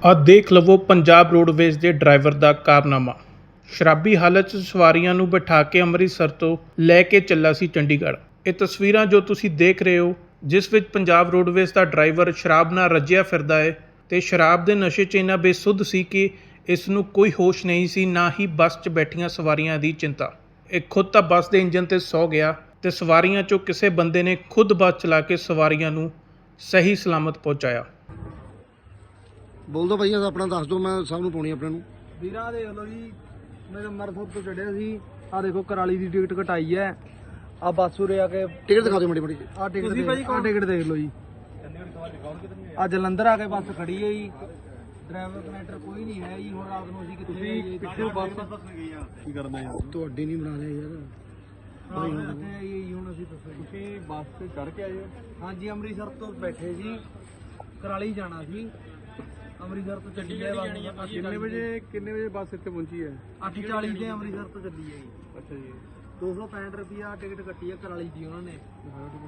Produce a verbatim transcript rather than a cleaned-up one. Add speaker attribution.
Speaker 1: ਆ ਦੇਖ ਲਵੋ ਪੰਜਾਬ ਰੋਡਵੇਜ਼ ਦੇ ਡਰਾਈਵਰ ਦਾ ਕਾਰਨਾਮਾ। ਸ਼ਰਾਬੀ ਹਾਲਤ 'ਚ ਸਵਾਰੀਆਂ ਨੂੰ ਬਿਠਾ ਕੇ ਅੰਮ੍ਰਿਤਸਰ ਤੋਂ ਲੈ ਕੇ ਚੱਲਾ ਸੀ ਚੰਡੀਗੜ੍ਹ। ਇਹ ਤਸਵੀਰਾਂ ਜੋ ਤੁਸੀਂ ਦੇਖ ਰਹੇ ਹੋ, ਜਿਸ ਵਿੱਚ ਪੰਜਾਬ ਰੋਡਵੇਜ਼ ਦਾ ਡਰਾਈਵਰ ਸ਼ਰਾਬ ਨਾਲ ਰੱਜਿਆ ਫਿਰਦਾ ਹੈ ਤੇ ਸ਼ਰਾਬ ਦੇ ਨਸ਼ੇ 'ਚ ਇੰਨਾ ਬੇਸੁੱਧ ਸੀ ਕਿ ਇਸ ਨੂੰ ਕੋਈ ਹੋਸ਼ ਨਹੀਂ ਸੀ, ਨਾ ਹੀ ਬੱਸ 'ਚ ਬੈਠੀਆਂ ਸਵਾਰੀਆਂ ਦੀ ਚਿੰਤਾ। ਇਹ ਖੁਦ ਤਾਂ ਬੱਸ ਦੇ ਇੰਜਨ ਤੇ ਸੌ ਗਿਆ ਤੇ ਸਵਾਰੀਆਂ 'ਚੋਂ ਕਿਸੇ ਬੰਦੇ ਨੇ ਖੁਦ ਬੱਸ ਚਲਾ ਕੇ ਸਵਾਰੀਆਂ ਨੂੰ ਸਹੀ ਸਲਾਮਤ ਪਹੁੰਚਾਇਆ।
Speaker 2: बोल दो भैया अपना दस दो, मैं सब पानी अपने
Speaker 3: ਵੀਰਾ ਦੇਖ ਲਓ ਜੀ, ਮੈਂ ਅੰਮ੍ਰਿਤਸਰ ਤੋਂ ਚੜਿਆ ਸੀ। ਆ ਦੇਖੋ ਕਰਾਲੀ ਦੀ ਟਿਕਟ ਕਟਾਈ ਹੈ। ਆ ਬੱਸ ਉਰੇ ਆ ਕੇ
Speaker 2: टिकट दिखा दो मड़ी मड़ी।
Speaker 3: ਆ ਟਿਕਟ ਆ ਟਿਕਟ ਦੇਖ ਲਓ ਜੀ। ਆ ਜਲੰਧਰ ਆ ਕੇ ਬੱਸ ਖੜੀ ਹੈ ਜੀ। ਡਰਾਈਵਰ ਕਨੈਕਟਰ ਕੋਈ ਨਹੀਂ ਹੈ ਜੀ। ਹੁਣ ਰਾਤ ਨੂੰ ਅਸੀਂ ਕਿੱਥੇ ਪਿੱਛੇ ਬੱਸ ਗਈ ਆ, ਕੀ ਕਰਨਾ ਯਾਰ?
Speaker 2: ਤੁਹਾਡੀ ਨਹੀਂ ਬਣਾ ਲਿਆ ਯਾਰ
Speaker 3: ਭਾਈ ਹੁਣ ਕਿੱਥੇ ਆਈਏ ਜੀ? ਹੁਣ ਅਸੀਂ ਦੱਸੋ, ਤੁਸੀਂ ਬੱਸ ਤੇ ਚੜ ਕੇ ਆਏ ਹੋ? ਹਾਂਜੀ, ਅੰਮ੍ਰਿਤਸਰ ਤੋਂ ਬੈਠੇ ਸੀ, ਕਰਾਲੀ ਜਾਣਾ ਸੀ। ਅੰਮ੍ਰਿਤਸਰ ਤੋਂ ਚੱਲੀ ਹੈ ਬੱਸ।
Speaker 4: ਕਿੰਨੇ ਵਜੇ ਕਿੰਨੇ ਵਜੇ ਬੱਸ ਇੱਥੇ ਪਹੁੰਚੀ ਹੈ?
Speaker 3: ਅੱਠ ਚਾਲੀ ਤੇ ਅੰਮ੍ਰਿਤਸਰ ਤੋਂ ਚੱਲੀ ਹੈ ਜੀ।
Speaker 4: ਅੱਛਾ ਜੀ।
Speaker 3: ਦੋ ਸੌ ਪੈਂਹਠ ਰੁਪਿਆ ਟਿਕਟ ਕੱਟੀ ਹੈ ਕਰਾਲੀ ਦੀ ਉਹਨਾਂ ਨੇ।